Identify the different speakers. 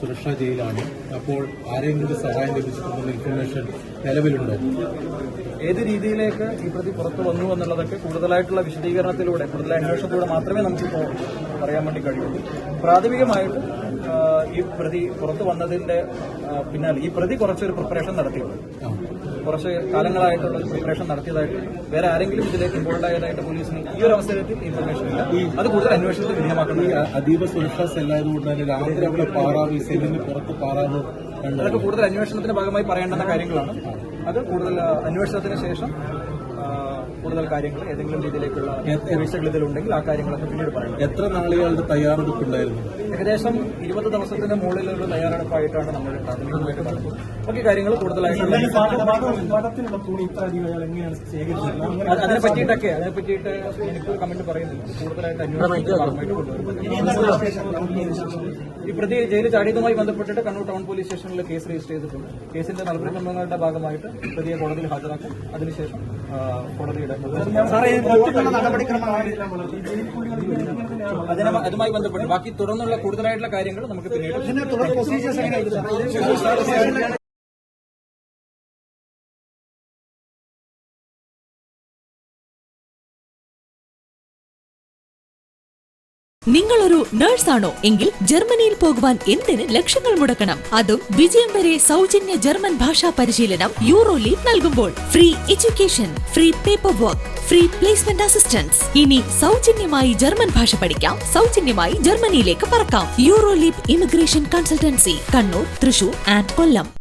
Speaker 1: സുരക്ഷാ ജയിലാണ്. അപ്പോൾ ആരെങ്കിലും സഹായം ലഭിച്ചിട്ടുള്ള ഇൻഫർമേഷൻ നിലവിലുണ്ടോ?
Speaker 2: ഏത് രീതിയിലേക്ക് ഈ പ്രതി പുറത്തു വന്നു എന്നുള്ളതൊക്കെ കൂടുതലായിട്ടുള്ള വിശദീകരണത്തിലൂടെ, കൂടുതൽ അന്വേഷണത്തിലൂടെ മാത്രമേ നമുക്കിപ്പോൾ പറയാൻ വേണ്ടി കഴിയുള്ളൂ. പ്രാഥമികമായിട്ട് ഈ പ്രതി പുറത്തു വന്നതിന്റെ പിന്നാലെ ഈ പ്രതി കുറച്ചൊരു പ്രിപ്പറേഷൻ നടത്തിയുള്ളൂ. കുറച്ച് കാലങ്ങളായിട്ടുള്ള പ്രിപ്പറേഷൻ നടത്തിയതായിട്ട് വേറെ ആരെങ്കിലും ഇതിലേക്ക് ഇൻവോൾവ് ആയതായിട്ട് പോലീസിന് ഈ ഒരു അവസരത്തിൽ ഇൻഫർമേഷൻ ഇല്ല. അത് കൂടുതൽ അന്വേഷണത്തിൽ വിധേയമാക്കുന്നത്
Speaker 1: അതീവ സുരക്ഷാ സെല്ലായതുകൊണ്ട് തന്നെ രാത്രി അവിടെ പാറാവ് സെല്ലിന് പുറത്ത് പാറാവ്
Speaker 2: അതൊക്കെ കൂടുതൽ അന്വേഷണത്തിന്റെ ഭാഗമായി പറയേണ്ടുന്ന കാര്യങ്ങളാണ്. അത് കൂടുതൽ അന്വേഷണത്തിന് ശേഷം കൂടുതൽ കാര്യങ്ങൾ ഏതെങ്കിലും രീതിയിലേക്കുള്ള വീഴ്ചകൾ ഇതിലുണ്ടെങ്കിൽ ആ കാര്യങ്ങളൊക്കെ പിന്നീട് പറയണം.
Speaker 1: എത്ര നാളുകളുടെ തയ്യാറെടുപ്പുണ്ടായിരുന്നു?
Speaker 2: ഏകദേശം 20 ദിവസത്തിന്റെ മുകളിലുള്ള തയ്യാറെടുപ്പായിട്ടാണ് നമ്മൾ പ്രാഥമികമായിട്ട് പറഞ്ഞത്. ബാക്കി കാര്യങ്ങൾ കൂടുതലായിട്ട് അതിനെ പറ്റിയിട്ട് എനിക്ക് കമന്റ് പറയുന്നില്ല. കൂടുതലായിട്ട് അന്വേഷണത്തിന്റെ ഭാഗമായിട്ട് കൊണ്ടുവരും. ഈ പ്രതി ജയിലിൽ ചാടിയതുമായി ബന്ധപ്പെട്ടിട്ട് കണ്ണൂർ ടൗൺ പോലീസ് സ്റ്റേഷനിൽ കേസ് രജിസ്റ്റർ ചെയ്തിട്ടുണ്ട്. കേസിന്റെ നടപടിക്രമങ്ങളുടെ ഭാഗമായിട്ട് പ്രതിയെ കോടതിയിൽ ഹാജരാക്കും. അതിനുശേഷം കോടതിയുടെ അതുമായി ബന്ധപ്പെട്ട് ബാക്കി തുടർന്നുള്ള കൂടുതലായിട്ടുള്ള കാര്യങ്ങൾ നമുക്ക് പിന്നീട്
Speaker 3: നിങ്ങളൊരു നഴ്സാണോ എങ്കിൽ ജർമ്മനിയിൽ പോകുവാൻ എന്തിന് ലക്ഷങ്ങൾ മുടക്കണം? അതും വിജയം വരെ സൗജന്യ ജർമ്മൻ ഭാഷാ പരിശീലനം യൂറോലീഗ് നൽകുമ്പോൾ. Free education, free paper work, free placement assistance. ഇനി സൗജന്യമായി ജർമ്മൻ ഭാഷ പഠിക്കാം, സൗജന്യമായി ജർമ്മനിയിലേക്ക് പറക്കാം. Euroleague immigration consultancy, Kannur, Thrissur and Kollam.